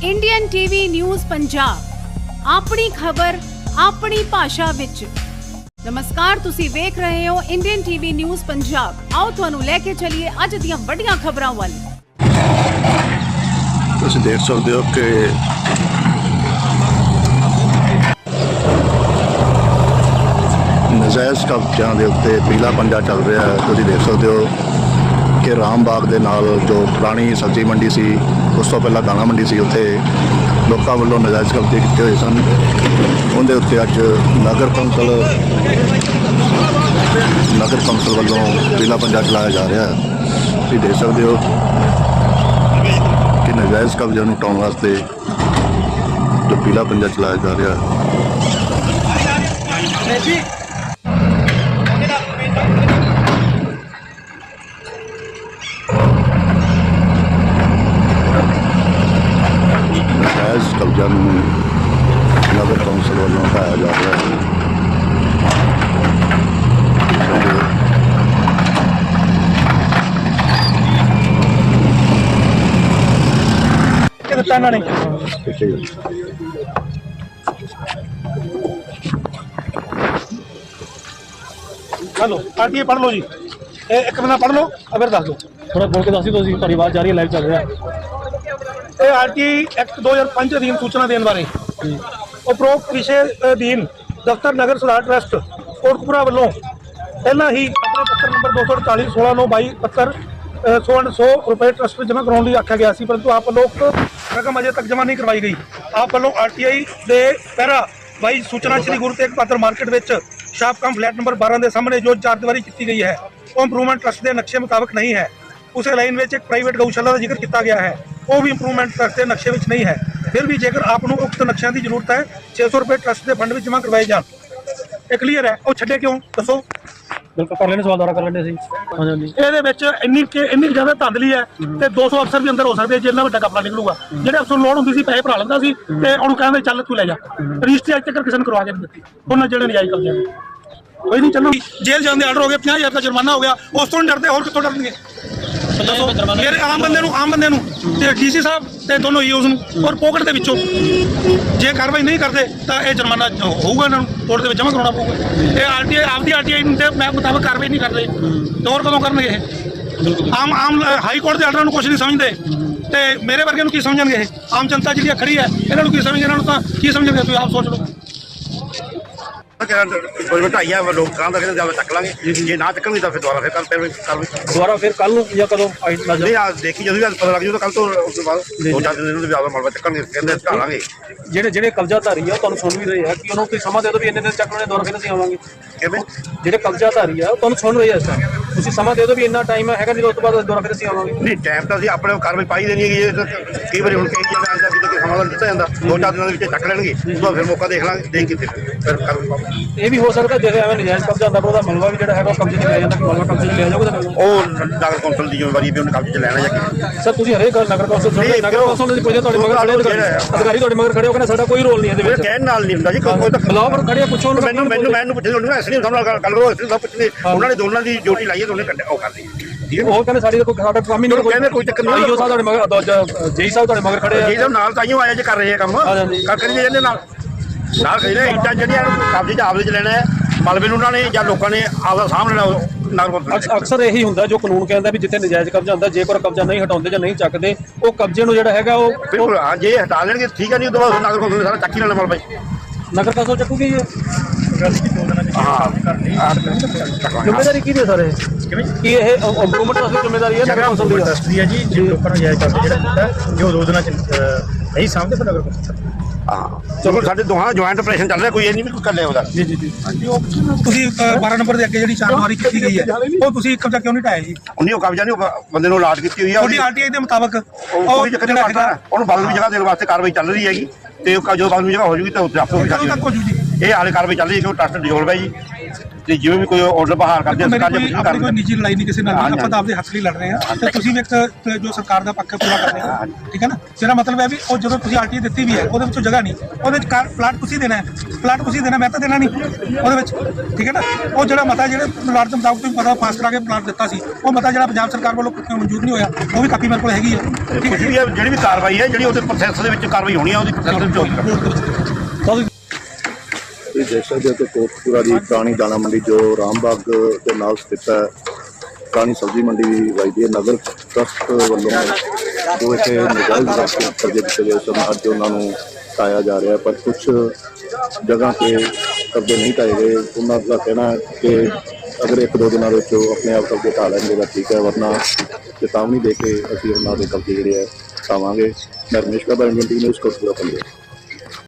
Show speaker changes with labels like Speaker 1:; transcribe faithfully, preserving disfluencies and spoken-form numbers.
Speaker 1: Indian TV news Punjab अपनी खबर अपनी भाषा विच। नमस्कार, तुसी वेख रहे हो इंडियन टीवी न्यूज़ पंजाब। आओ तुहानू लेके चलिए अज दियां वड्डियां खबरां वल।
Speaker 2: तुसी देख सकते हो कि नजायज़ कब्ज़िਆਂ ਦੇ ਉੱਤੇ पीला पंजा चल रहा है। तुसी देख सकते हो कि रामबाग ਦੇ ਨਾਲ जो पुरानी सब्जी मंडी सी, उस तो पहला दाणा मंडी सी, उत्थे लोकां ਵੱਲੋਂ नजायज़ कब्जे किए हुए सन। उनके उत्ते अज नगर कौंसल नगर कौंसल ਵੱਲੋਂ पीला पंजा चलाया जा रहा है। तुसी देख सकते हो कि नजायज़ कब्जे ਨੂੰ हटाਉਣ वास्ते जो पीला पंजा चलाया जा रहा है। नजायज़ कब्जा नगर कौंसल वालों हटाया जा रहा है।
Speaker 3: हेलो आरटीए पढ़ लो जी, ए, एक महीना पढ़ लो अगर दस दो
Speaker 4: थोड़ा बोल के दस दो जी, ਤੁਹਾਡੀ ਆਵਾਜ਼ ਜਾ ਰਹੀ ਹੈ, ਲਾਈਵ ਚੱਲ ਰਿਹਾ
Speaker 3: ਇਹ ਆਰਟੀ ਐਕਟ ਦੋ ਹਜ਼ਾਰ ਪੰਜ ਅਧੀਨ ਸੂਚਨਾ ਦੇਣ ਬਾਰੇ ਉਪਰੋਕਤ ਵਿਸ਼ੇ ਅਧੀਨ ਦਫ਼ਤਰ ਨਗਰ ਸੁਧਾਰ ਟਰਸਟ ਕੋਟਕਪੂਰਾ ਵੱਲੋਂ ਪਹਿਲਾਂ ਹੀ ਆਪਣੇ ਪੱਤਰ ਨੰਬਰ ਦੋ ਸੌ ਅੜਤਾਲੀ ਸੋਲਾਂ ਨੌ ਬਾਈ ਪੱਤਰ ਸੌ ਸੌ ਰੁਪਏ ਟਰਸਟ ਵਿੱਚ ਜਮ੍ਹਾਂ ਕਰਾਉਣ ਲਈ ਆਖਿਆ ਗਿਆ ਸੀ, ਪਰੰਤੂ ਆਪ ਲੋਕ ਰਕਮ ਅਜੇ ਤੱਕ ਜਮ੍ਹਾਂ ਨਹੀਂ ਕਰਵਾਈ ਗਈ। ਆਪ ਵੱਲੋਂ ਆਰਟੀਆਈ ਦੇ ਪਹਿਰਾ ਬਾਈ ਸੂਚਨਾ ਸ਼੍ਰੀ ਗੁਰੂ ਤੇਗ ਬਹਾਦਰ ਮਾਰਕੀਟ ਵਿੱਚ ਸ਼ਾਪਕਮ ਫਲੈਟ ਨੰਬਰ ਬਾਰਾਂ ਦੇ ਸਾਹਮਣੇ ਜੋ ਚਾਰ ਦੀਵਾਰੀ ਕੀਤੀ ਗਈ ਹੈ ਉਹ ਇੰਪਰੂਵਮੈਂਟ ਟਰਸਟ ਦੇ ਨਕਸ਼ੇ ਮੁਤਾਬਕ ਨਹੀਂ ਹੈ। ਉਸੇ ਲਾਈਨ ਵਿੱਚ ਇੱਕ ਪ੍ਰਾਈਵੇਟ ਗਊਸ਼ਾਲਾ ਦਾ ਜ਼ਿਕਰ ਕੀਤਾ ਗਿਆ ਹੈ, ਉਹ ਵੀ ਇੰਪਰੂਵਮੈਂਟ ਟਰਸਟ ਦੇ ਨਕਸ਼ੇ ਵਿੱਚ ਨਹੀਂ ਹੈ। ਫਿਰ ਵੀ ਜੇਕਰ ਆਪ ਨੂੰ ਉਕਤ ਨਕਸ਼ਿਆਂ ਦੀ ਜ਼ਰੂਰਤ ਹੈ ਛੇ ਸੌ ਰੁਪਏ ਟਰਸਟ ਦੇ ਫੰਡ ਵਿੱਚ ਜਮ੍ਹਾਂ ਕਰਵਾਏ ਜਾਣ। ਇਹ ਕਲੀਅਰ ਹੈ, ਉਹ ਛੱਡੇ ਕਿਉਂ ਦੱਸੋ?
Speaker 4: ਬਿਲਕੁਲ ਕਰ ਲੈਣੇ, ਸਵਾਲ ਦੁਆਰਾ ਕਰ ਲੈਣੇ ਸੀ। ਹਾਂਜੀ,
Speaker 3: ਇਹਦੇ ਵਿੱਚ ਇੰਨੀ ਕਿ ਇੰਨੀ ਜ਼ਿਆਦਾ ਧਾਂਦਲੀ ਹੈ ਤੇ ਦੋ ਸੌ ਅਫਸਰ ਵੀ ਅੰਦਰ ਹੋ ਸਕਦੇ, ਜਿੰਨਾ ਵੱਡਾ ਕਪੜਾ ਨਿਕਲੂਗਾ। ਜਿਹੜੇ ਅਫਸਰ ਨੂੰ ਲੋੜ ਹੁੰਦੀ ਸੀ ਪੈਸੇ ਭਰਾ ਲੈਂਦਾ ਸੀ ਤੇ ਉਹਨੂੰ ਕਹਿੰਦੇ ਚੱਲ ਤੂੰ ਲੈ ਜਾ। ਰਜਿਸਟਰੀ ਅੱਜ ਤੱਕ ਕਿਸੇ ਨੂੰ ਕਰਵਾ ਕੇ ਨਹੀਂ ਦਿੱਤੀ ਉਹਨਾਂ ਜਿਹੜੇ ਨਜਾਇਜ਼ ਕਬਜ਼ੇ ਨੇ। ਕੋਈ ਨਹੀਂ, ਚੱਲੋ ਜੇਲ੍ਹ ਜਾਣ ਦੇ ਆਰਡਰ ਹੋ ਗਏ, ਪੰਜਾਹ ਹਜ਼ਾਰ ਦਾ ਜੁਰਮਾਨਾ ਹੋ ਗਿਆ, ਉਸ ਤੋਂ ਡਰਦੇ ਹੋਰ ਕਿੱਥੋਂ ਡਰਨਗੇ? ਮੇਰੇ ਆਮ ਬੰਦੇ ਨੂੰ ਆਮ ਬੰਦੇ ਨੂੰ ਤੇ ਡੀਸੀ ਸਾਹਿਬ ਤੇ ਦੋਨੋਂ ਈਓਜ਼ ਨੂੰ ਔਰ ਪੋਕਟ ਦੇ ਵਿੱਚੋਂ ਜੇ ਕਾਰਵਾਈ ਨਹੀਂ ਕਰਦੇ ਤਾਂ ਇਹ ਜੁਰਮਾਨਾ ਹੋਊਗਾ, ਇਹਨਾਂ ਨੂੰ ਕੋਰਟ ਦੇ ਵਿੱਚ ਜਮ੍ਹਾਂ ਕਰਾਉਣਾ ਪਊਗਾ। ਇਹ ਆਰਟੀਆਈ ਆਪਦੀ ਆਰਟੀਆਈ ਦੇ ਮੈਂ ਮੁਤਾਬਕ ਕਾਰਵਾਈ ਨਹੀਂ ਕਰਦੇ ਤਾਂ ਹੋਰ ਕਦੋਂ ਕਰਨਗੇ ਇਹ? ਆਮ ਆਮ ਹਾਈ ਕੋਰਟ ਦੇ ਆਰਡਰਾਂ ਨੂੰ ਕੁਛ ਨਹੀਂ ਸਮਝਦੇ ਤੇ ਮੇਰੇ ਵਰਗੇ ਨੂੰ ਕੀ ਸਮਝਣਗੇ? ਇਹ ਆਮ ਜਨਤਾ ਜਿਹੜੀ ਖੜੀ ਹੈ ਇਹਨਾਂ ਨੂੰ ਕੀ ਸਮਝਣਗੇ? ਇਹਨਾਂ ਨੂੰ ਤਾਂ ਕੀ ਸਮਝਣਗੇ? ਤੁਸੀਂ ਆਪ ਸੋਚ ਲਓ।
Speaker 2: ਕੋਈ ਵਧਾਈਆ ਲੋਕ ਕਾਂ ਦਾ ਕਹਿੰਦੇ ਚੱਕ ਲਾਂਗੇ, ਜੇ ਨਾ ਚੱਕਣਗੇ ਤਾਂ ਫਿਰ ਦੁਬਾਰਾ ਫਿਰ ਕੱਲ ਕੱਲ
Speaker 4: ਦੁਬਾਰਾ ਫਿਰ ਕੱਲ ਨੂੰ ਜਾਂ ਕਦੋਂ
Speaker 2: ਨਹੀਂ ਆ ਦੇਖੀ ਜਦੋਂ ਵੀ ਪਤਾ ਲੱਗ ਜੂ ਤਾਂ ਕੱਲ ਤੋਂ ਉਸ ਤੋਂ ਬਾਅਦ ਦੋ ਚਾਰ ਦਿਨ ਨੂੰ ਜ਼ਿਆਦਾ ਮਲਬਾ ਚੱਕਣਗੇ, ਕਹਿੰਦੇ ਢਾ ਲਾਂਗੇ।
Speaker 4: ਜਿਹੜੇ ਜਿਹੜੇ ਕਬਜ਼ਾਧਾਰੀ ਆ ਤੁਹਾਨੂੰ ਸੁਣ ਵੀ ਰਹੇ ਆ ਕਿ ਉਹਨੂੰ ਕੋਈ ਸਮਾਂ ਦੇ ਦਿਓ ਵੀ ਇੰਨੇ ਦਿਨ ਚੱਕ ਲੈਣੇ, ਦੁਬਾਰਾ ਫਿਰ ਅਸੀਂ ਆਵਾਂਗੇ।
Speaker 2: ਕਿਵੇਂ
Speaker 4: ਜਿਹੜੇ ਕਬਜ਼ਾਧਾਰੀ ਆ ਤੁਹਾਨੂੰ ਸੁਣ ਰਹੇ ਆ ਇਸ ਟਾਈਮ, ਤੁਸੀਂ ਸਮਾਂ ਦੇ ਦਿਓ ਵੀ ਇੰਨਾ ਟਾਈਮ ਹੈਗਾ, ਨਹੀਂ ਉਸ ਤੋਂ ਬਾਅਦ ਦੁਬਾਰਾ ਫਿਰ ਅਸੀਂ ਆਵਾਂਗੇ।
Speaker 2: ਨਹੀਂ, ਟਾਈਮ ਤਾਂ ਅਸੀਂ ਆਪਣੇ ਕਾਰਵਾਈ ਪਾਈ ਦੇਣੀ ਹੈਗੀ। ਕਈ ਵਾਰੀ ਹੁਣ ਕਈ ਜਗ੍ਹਾ ਆਉਂਦਾ ਕਿ ਸਮਾਂ ਦਿੱਤਾ ਜਾਂਦਾ, ਦੋ ਚਾਰ ਦਿਨਾਂ ਦੇ ਵਿੱਚ ਚੱਕ ਲੈਣਗੇ, ਉਸ ਤੋਂ ਬਾਅਦ ਫਿਰ ਮੌਕਾ ਦੇਖ ਲਾਂਗੇ, ਦੇਖ ਕੇ ਫਿਰ ਕਾਰਵਾਈ ਪਾਵਾਂਗੇ।
Speaker 4: ਇਹ ਵੀ ਹੋ ਸਕਦਾ ਜਿਵੇਂ ਐਵੇਂ ਨਜਾਇਜ਼ ਕਬਜ਼ਾ ਹੁੰਦਾ ਪਰ ਉਹਦਾ ਮਲਬਾ ਵੀ ਜਿਹੜਾ ਹੈਗਾ ਉਹ ਕਬਜ਼ੇ 'ਚ ਲਿਆ ਜਾਂਦਾ, ਕਿ ਮਲਬਾ ਕਬਜ਼ੇ 'ਚ ਲਿਆ ਜਾਊਗਾ ਤਾਂ
Speaker 2: ਉਹ ਨਗਰ ਕੌਂਸਲ ਦੀ ਜ਼ਿੰਮੇਵਾਰੀ ਵੀ ਉਹਨੇ ਕਬਜ਼ੇ 'ਚ ਲੈਣਾ ਜਾਂ ਕਿ
Speaker 4: ਸਰ ਤੁਸੀਂ ਹਰੇਕ ਗੱਲ ਨਗਰ ਕੌਂਸਲ ਸੁਣਦੇ, ਨਗਰ ਕੌਂਸਲ ਦੇ ਕੋਈ ਤੁਹਾਡੇ ਮਗਰ ਖੜੇ ਅਧਿਕਾਰੀ ਤੁਹਾਡੇ ਮਗਰ ਖੜੇ ਹੋ ਕੇ ਸਾਡਾ ਕੋਈ ਰੋਲ ਨਹੀਂ ਇਹਦੇ ਵਿੱਚ।
Speaker 2: ਕਹਿਣ ਨਾਲ ਨਹੀਂ ਹੁੰਦਾ ਜੀ, ਕੋਈ ਤਾਂ
Speaker 4: ਬੁਲਾਓ ਪਰ ਖੜੇ ਪੁੱਛੋ
Speaker 2: ਮੈਨੂੰ ਮੈਨੂੰ ਮੈਨੂੰ ਪੁੱਛਦੇ ਉਹਨੂੰ ਐਸੀ ਨਹੀਂ ਨਾਲ ਗੱਲ ਕਰੋ, ਐਸੀ ਸਭ ਪੁੱਛਦੇ ਉਹਨਾਂ ਨੇ ਦੋਨਾਂ ਦੀ ਡਿਊਟੀ ਲਾਈ ਹੈ, ਦੋਨੇ ਕੱਢ ਉਹ ਕਰਦੀ ਠੀਕ ਹੈ।
Speaker 4: ਉਹ ਕਹਿੰਦੇ ਸਾਡੀ ਕੋਈ ਸਾਡਾ ਕੰਮ ਹੀ ਨਹੀਂ,
Speaker 2: ਕਹਿੰਦੇ ਕੋਈ ਚੱਕਰ ਨਹੀਂ।
Speaker 4: ਆਈਓ ਸਾਹਿਬ ਤੁਹਾਡੇ ਮਗਰ, ਜੇਈ ਸਾਹਿਬ ਤੁਹਾਡੇ ਮਗਰ ਖੜੇ ਆ
Speaker 2: ਜੀ ਸਾਹਿਬ ਨਾਲ ਤਾਈਓ ਆਇਆ ਜੇ ਕਰ ਰਹੇ ਆ ਕੰਮ ਕਰ ਕਰੀ ਜਾਂਦੇ ਨਾਲ ਨਾਲ ਕਹਿੰਦੇ ਇੱਟਾਂ ਜਿਹੜੀਆਂ ਕਬਜ਼ੇ 'ਚ ਆਪਦੇ 'ਚ ਲੈਣਾ ਹੈ, ਮਲਬੇ ਨੂੰ ਉਹਨਾਂ ਨੇ ਜਾਂ ਲੋਕਾਂ ਨੇ ਆਪਦਾ ਸਾਹਮਣੇ ਲੈਣਾ।
Speaker 4: ਅਕਸਰ ਇਹੀ ਹੁੰਦਾ ਜੋ ਕਾਨੂੰਨ ਕਹਿੰਦਾ ਵੀ ਜਿੱਥੇ ਨਜਾਇਜ਼ ਕਬਜ਼ਾ ਹੁੰਦਾ, ਜੇਕਰ ਕਬਜ਼ਾ ਨਹੀਂ ਹਟਾਉਂਦੇ ਜਾਂ ਨਹੀਂ ਚੱਕਦੇ ਉਹ ਕਬਜ਼ੇ ਨੂੰ ਜਿਹੜਾ ਹੈਗਾ ਉਹ
Speaker 2: ਬਿਲਕੁਲ ਹਾਂ, ਜੇ ਹਟਾ ਲੈਣਗੇ ਠੀਕ ਹੈ, ਨਹੀਂ ਉਦੋਂ ਬਾਅਦ ਨਗਰ ਕੌਂਸਲ ਨੇ ਸਾਰਾ ਚੱਕ ਹੀ ਲੈਣਾ ਮਲਬਾ।
Speaker 4: ਨਗਰ ਕੌਂਸਲ ਚੱਕੂਗੀ ਜੀ। ਜ਼ਿੰਮੇਵਾਰੀ ਕਿਹਦੀ ਹੈ ਸਰ? ਇਹ ਕੀ ਇਹ ਇੰਪਰੂਵਮੈਂਟ ਵਾਸਤੇ ਜ਼ਿੰਮੇਵਾਰੀ ਹੈ ਨਗਰ ਕੌਂਸਲ ਦੀ?
Speaker 3: ਟਰਸਟ ਦੀ ਹੈ ਜੀ, ਜੇ ਲੋਕਾਂ ਨੂੰ ਜਾਇਜ਼ ਕਰਦੇ ਜਿਹੜਾ ਕੀਤਾ ਜੋ ਦੋ ਦਿਨਾਂ ਚ ਨਹੀਂ ਸਾਹਮਣੇ ਫਿਰ ਨਗਰ ਕੌਂਸਲ।
Speaker 2: ਹਾਂ ਚਲੋ, ਸਾਡੇ ਦੋਹਾਂ ਦਾ ਜੁਆਇੰਟ ਆਪਰੇਸ਼ਨ ਚੱਲ ਰਿਹਾ, ਕੋਈ ਇਹ ਨਹੀਂ ਵੀ ਕੋਈ ਕਰ ਲਿਆ ਉਹਦਾ।
Speaker 3: ਜੀ ਜੀ ਜੀ ਤੁਸੀਂ ਬਾਰਾਂ ਨੰਬਰ ਦੇ ਅੱਗੇ ਜਿਹੜੀ ਚਾਰ ਦੀਵਾਰੀ ਕੀਤੀ ਗਈ ਹੈ ਉਹ ਤੁਸੀਂ ਕਬਜ਼ਾ ਕਿਉਂ ਨਹੀਂ ਢਾਇਆ ਜੀ?
Speaker 2: ਉਹਨੇ ਉਹ ਕਬਜ਼ਾ ਨਹੀਂ, ਉਹ ਬੰਦੇ ਨੂੰ ਅਲਾਟ ਕੀਤੀ ਹੋਈ ਆ
Speaker 3: ਤੁਹਾਡੀ ਆਰਟੀਆਈ ਦੇ ਮੁਤਾਬਕ
Speaker 2: ਉਹ ਜਿਹੜਾ ਹੈਗਾ ਉਹਨੂੰ ਬਦਲਵੀਂ ਜਗ੍ਹਾ ਦੇਣ ਵਾਸਤੇ ਕਾਰਵਾਈ ਚੱਲ ਰਹੀ ਹੈਗੀ ਤੇ ਜਦੋਂ ਬਦਲਵੀਂ ਜਗ੍ਹਾ ਹੋ ਜੂਗੀ ਤਾਂ ਉੱਥੇ ਆਪੇ
Speaker 3: ਕਦੋਂ ਤੱਕ ਹੋ ਜੂ ਜੀ?
Speaker 2: ਇਹ ਹਾਲੇ ਕਾਰਵਾਈ ਚੱਲ ਰਹੀ ਹੈ ਕਿ ਉਹ ਟਰਸਟ ਡਿਸੋਲਵ ਹੈ ਜੀ।
Speaker 5: ਤੇ ਜਿਵੇਂ ਵੀ ਕੋਈ ਆਰਡਰ ਬਹਾਲ ਕਰਦੇ
Speaker 3: ਮੇਰੀ
Speaker 5: ਸਰਕਾਰ
Speaker 3: ਕੋਈ
Speaker 5: ਜੇ
Speaker 3: ਆਪਣੀ ਕੋਈ
Speaker 5: ਕਰ
Speaker 3: ਨਿੱਜੀ ਲੜਾਈ ਨਹੀਂ ਕਿਸੇ ਨਾਲ
Speaker 5: ਹਾਂਜੀ,
Speaker 3: ਆਪਾਂ ਤਾਂ ਆਪਦੇ ਹੱਕ ਲਈ ਲੜ ਰਹੇ ਹਾਂ ਤੇ ਤੁਸੀਂ ਵੀ ਇੱਕ ਅ, ਜੋ ਸਰਕਾਰ ਦਾ ਪੱਖ ਪੂਰਾ ਕਰ ਰਹੇ ਹੋ ਠੀਕ ਹੈ ਨਾ ਮੇਰਾ ਮਤਲਬ ਹੈ ਵੀ ਉਹ ਜਦੋਂ ਤੁਸੀਂ ਆਰਟੀ ਦਿੱਤੀ ਵੀ ਹੈ ਉਹਦੇ ਵਿੱਚੋਂ ਜਗ੍ਹਾ ਨਹੀਂ ਉਹਦੇ ਵਿੱਚ ਕਾਰ ਪਲਾਟ ਤੁਸੀਂ ਦੇਣਾ ਹੈ ਪਲਾਟ ਤੁਸੀਂ ਦੇਣਾ ਮੈਂ ਤਾਂ ਦੇਣਾ ਨਹੀਂ ਉਹਦੇ ਵਿੱਚ ਠੀਕ ਹੈ ਨਾ ਉਹ ਜਿਹੜਾ ਮਤਾ ਜਿਹੜੇ ਪਲਾਟ ਦੇ ਮੁਤਾਬਕ ਤੁਸੀਂ ਪਤਾ ਪਾਸ ਕਰਾ ਕੇ ਪਲਾਟ ਦਿੱਤਾ ਸੀ ਉਹ ਮਤਾ ਜਿਹੜਾ ਪੰਜਾਬ ਸਰਕਾਰ ਵੱਲੋਂ ਮਨਜ਼ੂਰ ਨਹੀਂ ਹੋਇਆ ਉਹ ਵੀ ਕਾਪੀ ਮੇਰੇ ਕੋਲ ਹੈਗੀ ਹੈ
Speaker 5: ਕੁਝ ਵੀ ਹੈ, ਜਿਹੜੀ ਵੀ ਕਾਰਵਾਈ ਹੈ ਜਿਹੜੀ ਉਹਦੇ ਪ੍ਰੋਸੈਸ ਦੇ ਵਿੱਚ ਕਾਰਵਾਈ ਹੋਣੀ ਹੈ ਉਹਦੀ ਪ੍ਰੋਸੈਸ ਵਿੱਚ ਹੋਣੀ ਹੈ।
Speaker 2: ਇਹ ਦੇਖ ਸਕਦੇ ਹੋ ਕਿ ਕੋਟਪੁਰਾ ਦੀ ਪੁਰਾਣੀ ਦਾਣਾ ਮੰਡੀ ਜੋ ਰਾਮਬਾਗ ਦੇ ਨਾਲ ਸਥਿਤ ਹੈ ਪੁਰਾਣੀ ਸਬਜ਼ੀ ਮੰਡੀ ਵਜਦੀ ਹੈ ਨਗਰ ਟਰਸਟ ਵੱਲੋਂ ਜੋ ਇੱਥੇ ਨਜਾਇਜ਼ ਰਸਤੇ ਕਬਜ਼ੇ ਕੀਤੇ ਗਏ ਸਨ ਅੱਜ ਉਹਨਾਂ ਨੂੰ ਢਾਇਆ ਜਾ ਰਿਹਾ ਪਰ ਕੁਝ ਜਗ੍ਹਾ 'ਤੇ ਕਬਜ਼ੇ ਨਹੀਂ ਢਾਏ ਗਏ ਉਹਨਾਂ ਦਾ ਕਹਿਣਾ ਹੈ ਕਿ ਅਗਰ ਇੱਕ ਦੋ ਦਿਨਾਂ ਵਿੱਚ ਉਹ ਆਪਣੇ ਆਪ ਕਬਜ਼ੇ ਢਾ ਲੈਣਗੇ ਤਾਂ ਠੀਕ ਹੈ ਵਰਨਾ ਚੇਤਾਵਨੀ ਦੇ ਕੇ ਅਸੀਂ ਉਹਨਾਂ ਦੇ ਕਬਜ਼ੇ ਜਿਹੜੇ ਹੈ ਢਾਵਾਂਗੇ। ਮੈਂ Ramesh Kaba Indian T news Kotpura Punjab.